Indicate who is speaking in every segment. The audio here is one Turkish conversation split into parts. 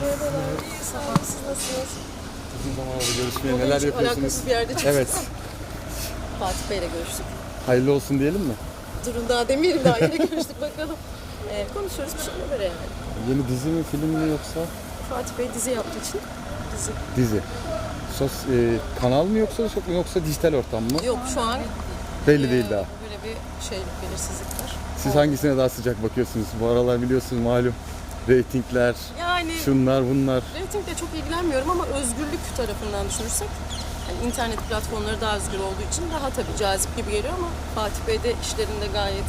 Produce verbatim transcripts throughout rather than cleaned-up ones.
Speaker 1: Merhabalar, iyi sağ olun. Siz nasılsınız?
Speaker 2: Uzun zaman oldu görüşmeye. Neler yapıyorsunuz?
Speaker 1: Alakasız bir yerde çıktık.
Speaker 2: Evet.
Speaker 1: Fatih Bey'le görüştük.
Speaker 2: Hayırlı olsun diyelim mi?
Speaker 1: Durun daha demeyelim, daha yeni görüştük bakalım. Ee, konuşuyoruz bir şeyler yani.
Speaker 2: Yeni dizi mi, film mi yoksa?
Speaker 1: Fatih Bey dizi yaptığı için dizi.
Speaker 2: Dizi. Sos, e, kanal mı yoksa yoksa dijital ortam mı?
Speaker 1: Yok şu an
Speaker 2: Belli
Speaker 1: e,
Speaker 2: değil daha.
Speaker 1: böyle bir şey, belirsizlik var.
Speaker 2: Siz hangisine daha sıcak bakıyorsunuz? Bu aralar biliyorsunuz malum. Reytingler,
Speaker 1: Yani
Speaker 2: şunlar bunlar.
Speaker 1: reytingle çok ilgilenmiyorum ama özgürlük tarafından düşünürsek yani internet platformları daha özgür olduğu için daha tabii cazip gibi geliyor ama Fatih Bey de işlerinde gayet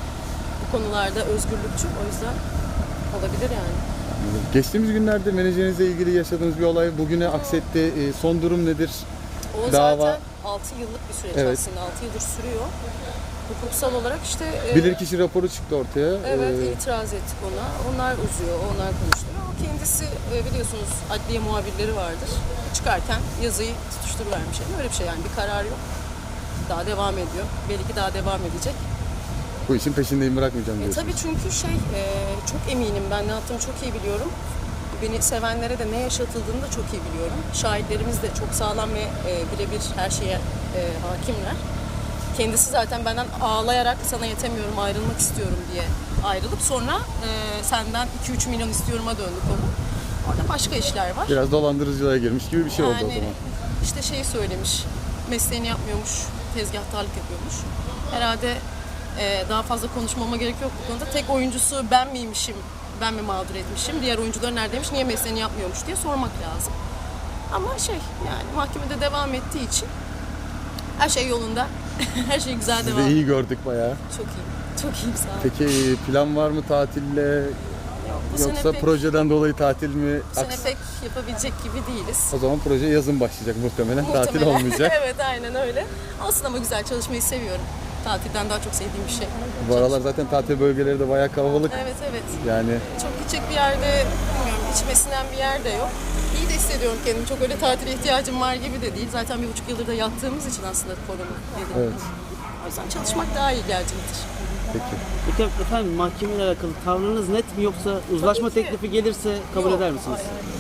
Speaker 1: bu konularda özgürlükçü, o yüzden olabilir yani.
Speaker 2: Geçtiğimiz günlerde menajerinizle ilgili yaşadığınız bir olay bugüne aksetti. E, son durum nedir?
Speaker 1: O
Speaker 2: Dava.
Speaker 1: zaten altı yıllık bir süreç
Speaker 2: Evet.
Speaker 1: aslında, altı yıldır sürüyor. Hukuksal olarak işte e,
Speaker 2: Bilirkişi raporu çıktı ortaya.
Speaker 1: evet
Speaker 2: E,
Speaker 1: itiraz ettik ona. Onlar uzuyor, onlar konuşuyor. O kendisi e, biliyorsunuz adliye muhabirleri vardır. Çıkarken yazıyı tutuşturuvermiş. Yani öyle bir şey yani, bir karar yok. Daha devam ediyor. Belki daha devam edecek.
Speaker 2: bu işin peşindeyim, bırakmayacağım
Speaker 1: E,
Speaker 2: diyorsunuz.
Speaker 1: tabii çünkü şey e, çok eminim, ben ne yaptığımı çok iyi biliyorum. Beni sevenlere de ne yaşatıldığını da çok iyi biliyorum. Şahitlerimiz de çok sağlam ve e, birebir her şeye e, hakimler. Kendisi zaten benden ağlayarak sana yetemiyorum, ayrılmak istiyorum diye ayrılıp sonra e, senden iki üç milyon istiyorum'a döndü konu. Orada başka işler var.
Speaker 2: Biraz dolandırıcılığa girmiş gibi bir şey oldu o
Speaker 1: Yani
Speaker 2: zaman.
Speaker 1: işte şeyi söylemiş, mesleğini yapmıyormuş, tezgahtarlık yapıyormuş. Herhalde e, daha fazla konuşmama gerek yok bu konuda. Tek oyuncusu ben miymişim, ben mi mağdur etmişim, diğer oyuncular neredeymiş, niye mesleğini yapmıyormuş diye sormak lazım. Ama şey yani mahkemede devam ettiği için her şey yolunda, her şey güzel
Speaker 2: Sizi
Speaker 1: devam
Speaker 2: de
Speaker 1: ediyor.
Speaker 2: iyi gördük bayağı.
Speaker 1: Çok iyi, çok iyiyim sağ olun.
Speaker 2: Peki plan var mı tatille?
Speaker 1: Yok, bu sene
Speaker 2: Yoksa
Speaker 1: pek-
Speaker 2: projeden dolayı tatil mi?
Speaker 1: Bu sene
Speaker 2: Aks-
Speaker 1: pek yapabilecek gibi değiliz.
Speaker 2: O zaman proje yazın başlayacak muhtemelen. Tatil
Speaker 1: Muhtemelen.
Speaker 2: olmayacak.
Speaker 1: Evet aynen öyle. Olsun ama güzel, çalışmayı seviyorum. Tatilden daha çok sevdiğim bir şey.
Speaker 2: Bu aralar zaten tatil bölgeleri de bayağı kalabalık.
Speaker 1: Evet evet.
Speaker 2: Yani
Speaker 1: Çok gidecek bir yerde bilmiyorum, içime sinen bir yer de yok. İyi de hissediyorum kendimi. Çok öyle tatile ihtiyacım var gibi de değil. Zaten bir buçuk yıldır da yattığımız için aslında korona dedi.
Speaker 2: evet.
Speaker 1: O yüzden çalışmak daha iyi gelecektir.
Speaker 2: Peki.
Speaker 3: Peki efendim, mahkemeyle alakalı tavrınız net mi, yoksa uzlaşma
Speaker 1: Tabii ki.
Speaker 3: teklifi gelirse kabul
Speaker 1: Yok,
Speaker 3: eder misiniz?
Speaker 1: hayır, hayır.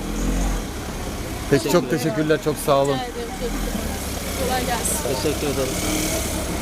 Speaker 2: Peki çok teşekkürler. Çok sağ olun.
Speaker 1: Rica ederim. Kolay gelsin.
Speaker 3: Teşekkür ederim.